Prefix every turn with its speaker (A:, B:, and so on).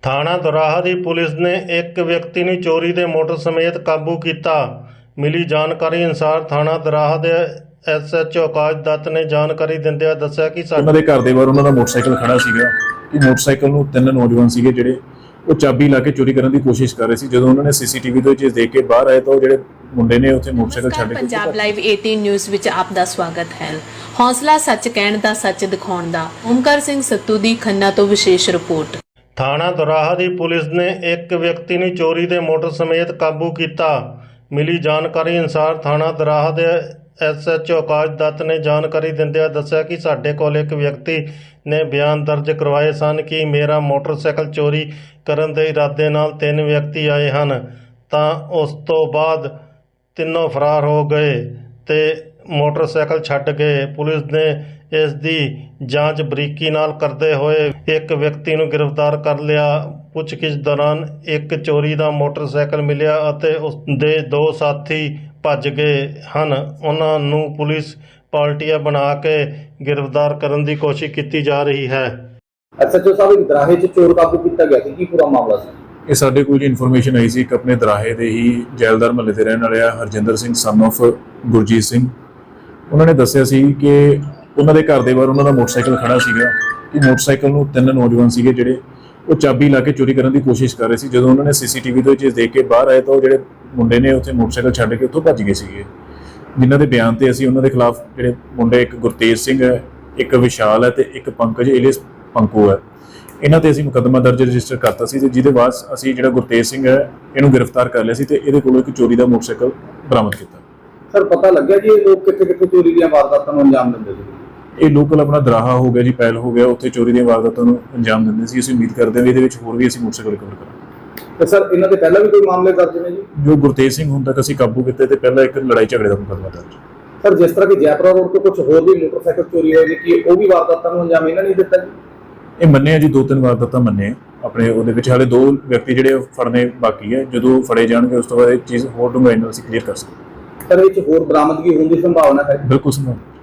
A: ਥਾਣਾ ਦੋਰਾਹਾ ਦੀ ਪੁਲਿਸ ਨੇ ਇੱਕ ਵਿਅਕਤੀ ਨੂੰ ਚੋਰੀ ਦੇ ਮੋਟਰ ਸਮੇਤ ਕਾਬੂ ਕੀਤਾ। ਮਿਲੀ ਜਾਣਕਾਰੀ ਅਨੁਸਾਰ ਥਾਣਾ ਦੋਰਾਹਾ ਦੇ SHO ਆਕਾਸ਼ ਦੱਤ ਨੇ ਜਾਣਕਾਰੀ ਦਿੰਦਿਆਂ ਦੱਸਿਆ ਕਿ
B: ਉਹਨਾਂ ਦੇ ਘਰ ਦੇ ਬਾਹਰ ਉਹਨਾਂ ਦਾ ਮੋਟਰਸਾਈਕਲ ਖੜਾ ਸੀਗਾ ਕਿ ਮੋਟਰਸਾਈਕਲ ਨੂੰ ਤਿੰਨ ਨੌਜਵਾਨ ਸੀਗੇ ਜਿਹੜੇ ਉਹ ਚਾਬੀ ਲਾ ਕੇ ਚੋਰੀ ਕਰਨ ਦੀ ਕੋਸ਼ਿਸ਼ ਕਰ ਰਹੇ ਸੀ। ਜਦੋਂ ਉਹਨਾਂ ਨੇ CCTV ਤੋਂ ਇਹ ਚੀਜ਼ ਦੇਖ ਕੇ ਬਾਹਰ ਆਏ ਤਾਂ ਉਹ ਜਿਹੜੇ ਮੁੰਡੇ ਨੇ ਉੱਥੇ ਮੋਟਰਸਾਈਕਲ ਛੱਡ ਕੇ
C: ਪੰਜਾਬ ਲਾਈਵ 18 ਨਿਊਜ਼ ਵਿੱਚ ਆਪ ਦਾ ਸਵਾਗਤ ਹੈ। ਹੌਸਲਾ ਸੱਚ ਕਹਿਣ ਦਾ, ਸੱਚ ਦਿਖਾਉਣ ਦਾ। ਓਮਕਾਰ ਸਿੰਘ ਸੱਤੂ ਦੀ ਖੰਨਾ ਤੋਂ ਵਿਸ਼ੇਸ਼ ਰਿਪੋਰਟ।
A: ਥਾਣਾ ਦੋਰਾਹਾ ਦੀ ਪੁਲਿਸ ਨੇ ਇੱਕ ਵਿਅਕਤੀ ਨੂੰ ਚੋਰੀ ਦੇ ਮੋਟਰ ਸਮੇਤ ਕਾਬੂ ਕੀਤਾ। ਮਿਲੀ ਜਾਣਕਾਰੀ ਅਨੁਸਾਰ ਥਾਣਾ ਦੋਰਾਹਾ ਦੇ SHO ਆਕਾਸ਼ ਦੱਤ ਨੇ ਜਾਣਕਾਰੀ ਦਿੰਦਿਆਂ ਦੱਸਿਆ ਕਿ ਸਾਡੇ ਕੋਲ ਇੱਕ ਵਿਅਕਤੀ ਨੇ ਬਿਆਨ ਦਰਜ ਕਰਵਾਏ ਸਨ ਕਿ ਮੇਰਾ ਮੋਟਰਸਾਈਕਲ ਚੋਰੀ ਕਰਨ ਦੇ ਇਰਾਦੇ ਨਾਲ ਤਿੰਨ ਵਿਅਕਤੀ ਆਏ ਹਨ, ਤਾਂ ਉਸ ਤੋਂ ਬਾਅਦ ਤਿੰਨੋਂ ਫਰਾਰ ਹੋ ਗਏ ਤੇ ਮੋਟਰਸਾਈਕਲ ਛੱਡ ਗਏ। ਪੁਲਿਸ ਨੇ ਇਸ ਦੀ ਜਾਂਚ ਬਰੀਕੀ ਨਾਲ ਕਰਦੇ ਹੋਏ ਇੱਕ ਵਿਅਕਤੀ ਨੂੰ ਗ੍ਰਿਫਤਾਰ ਕਰ ਲਿਆ। ਪੁੱਛਗਿੱਛ ਦੌਰਾਨ ਇੱਕ ਚੋਰੀ ਦਾ ਮੋਟਰਸਾਈਕਲ ਮਿਲਿਆ ਅਤੇ ਉਸ ਦੇ ਦੋ ਸਾਥੀ ਭੱਜ ਗਏ ਹਨ। ਉਹਨਾਂ ਨੂੰ ਪੁਲਿਸ ਪਾਰਟੀਆਂ ਬਣਾ ਕੇ ਗ੍ਰਿਫਤਾਰ ਕਰਨ ਦੀ ਕੋਸ਼ਿਸ਼ ਕੀਤੀ ਜਾ ਰਹੀ ਹੈ।
D: SHO ਸਾਹਿਬ ਇੱਕ ਦਰਾਹੇ 'ਚ ਚੋਰ ਕਾਬੂ ਕੀਤਾ ਗਿਆ ਸੀ, ਕੀ ਪੂਰਾ ਮਾਮਲਾ ਸੀ?
B: ਇਹ ਸਾਡੇ ਕੋਲ ਇਨਫੋਰਮੇਸ਼ਨ ਆਈ ਸੀ ਇੱਕ ਆਪਣੇ ਦਰਾਹੇ ਦੇ ਹੀ ਜੈਲਦਾਰ ਮਹੱਲੇ ਦੇ ਰਹਿਣ ਵਾਲੇ ਹਰਜਿੰਦਰ ਸਿੰਘ son of ਗੁਰਜੀਤ ਸਿੰਘ। ਉਹਨਾਂ ਨੇ ਦੱਸਿਆ ਸੀ ਕਿ ਉਹਨਾਂ ਦੇ ਘਰ ਦੇ ਬਾਹਰ ਉਹਨਾਂ ਦਾ ਮੋਟਰਸਾਈਕਲ ਖੜਾ ਸੀਗਾ ਕਿ ਮੋਟਰਸਾਈਕਲ ਨੂੰ ਤਿੰਨ ਨੌਜਵਾਨ ਸੀਗੇ ਜਿਹੜੇ ਉਹ ਚਾਬੀ ਲਾ ਕੇ ਚੋਰੀ ਕਰਨ ਦੀ ਕੋਸ਼ਿਸ਼ ਕਰ ਰਹੇ ਸੀ। ਜਦੋਂ ਉਹਨਾਂ ਨੇ CCTV ਤੋਂ ਇਹ ਚੀਜ਼ ਦੇਖ ਕੇ ਬਾਹਰ ਆਏ ਤਾਂ ਉਹ ਜਿਹੜੇ ਮੁੰਡੇ ਨੇ ਉੱਥੇ ਮੋਟਰਸਾਈਕਲ ਛੱਡ ਕੇ ਉੱਥੋਂ ਭੱਜ ਗਏ ਸੀਗੇ, ਜਿਨ੍ਹਾਂ ਦੇ ਬਿਆਨ ਤੇ ਅਸੀਂ ਉਹਨਾਂ ਦੇ ਖਿਲਾਫ ਜਿਹੜੇ ਮੁੰਡੇ, ਇੱਕ ਗੁਰਤੇਜ ਸਿੰਘ ਹੈ, ਇੱਕ ਵਿਸ਼ਾਲ ਹੈ ਤੇ ਇੱਕ ਪੰਕਜ ਏਲੀਅਸ ਪੰਕੂ ਹੈ, ਇਹਨਾਂ ਤੇ ਅਸੀਂ ਮੁਕੱਦਮਾ ਦਰਜ ਰਜਿਸਟਰ ਕਰਤਾ ਸੀ ਤੇ ਜਿਹਦੇ ਬਾਅਦ ਅਸੀਂ ਜਿਹੜਾ ਗੁਰਤੇਜ ਸਿੰਘ ਹੈ ਇਹਨੂੰ ਗ੍ਰਿਫਤਾਰ ਕਰ ਲਿਆ ਸੀ ਤੇ ਇਹਦੇ ਕੋਲੋਂ ਇੱਕ ਚੋਰੀ ਦਾ ਮੋਟਰਸਾਈਕਲ ਬਰਾਮਦ ਕੀਤਾ।
D: ਸਰ ਪਤਾ ਲੱਗਿਆ ਜੀ ਇਹ ਲੋਕ ਕਿੱਥੇ ਚੋਰੀ ਦੀਆਂ ਵਾਰਦਾਤਾਂ ਨੂੰ ਅੰਜਾਮ ਦਿੰਦੇ ਸੀ?
B: ਇਹ ਲੋਕਲ ਆਪਣਾ ਦਰਾਹਾ ਹੋ ਗਿਆ ਜੀ, ਪੈਲ ਹੋ ਗਿਆ, ਉੱਥੇ ਚੋਰੀ ਦੀਆਂ ਵਾਰਦਾਤਾਂ ਨੂੰ ਅੰਜਾਮ ਦਿੰਦੇ ਸੀ। ਅਸੀਂ ਉਮੀਦ ਕਰਦੇ ਹਾਂ ਵੀ ਇਹਦੇ ਵਿੱਚ ਹੋਰ ਵੀ ਅਸੀਂ ਮੋਟਰਸਾਈਕਲ ਰਿਕਵਰ ਕਰਾਂਗੇ।
D: ਤੇ ਸਰ ਇਹਨਾਂ ਦੇ ਪਹਿਲਾਂ ਵੀ ਕੋਈ ਮਾਮਲੇ ਦਰਜ ਨੇ ਜੀ?
B: ਜੋ ਗੁਰਤੇਜ ਸਿੰਘ ਹੁਣ ਤੱਕ ਅਸੀਂ ਕਾਬੂ ਕੀਤੇ ਤੇ ਪਹਿਲਾਂ ਇੱਕ ਲੜਾਈ ਝਗੜੇ ਦਾ ਮੁਕੱਦਮਾ ਦਰਜ।
D: ਸਰ ਜਿਸ ਤਰ੍ਹਾਂ ਕਿ ਜੈਪੁਰਾ ਰੋਡ ਤੋਂ ਕੁਝ ਹੋਰ ਵੀ ਮੋਟਰਸਾਈਕਲ ਚੋਰੀ ਹੋਏ ਨੇ, ਕੀ ਉਹ ਵੀ ਵਾਰਦਾਤਾਂ ਨੂੰ ਅੰਜਾਮ ਇਹਨਾਂ ਨੇ ਦਿੱਤਾ ਜੀ?
B: ਇਹ ਮੰਨੇ ਆ ਜੀ, 2-3 ਵਾਰਦਾਤਾਂ ਮੰਨੇ ਆ ਆਪਣੇ। ਉਹਦੇ ਵਿੱਚ ਹਾਲੇ 2 ਵਿਅਕਤੀ ਜਿਹੜੇ ਫੜਨੇ ਬਾਕੀ ਹੈ। ਜਦੋਂ ਫੜੇ ਜਾਣਗੇ ਉਸ ਤੋਂ ਬਾਅਦ ਇਹ ਚੀਜ਼ ਹੋਰ ਡੂੰਘਾਈ ਨਾਲ ਅਸੀਂ ਕਲੀਅਰ ਕਰ ਸਕਦੇ।
D: ਸਰ ਇਹ 'ਚ ਹੋਰ ਬਰਾਮਦਗੀ ਹੋਣ ਦੀ ਸੰਭਾਵਨਾ ਹੈ?
B: ਬਿਲਕੁਲ ਸੰਭਵ।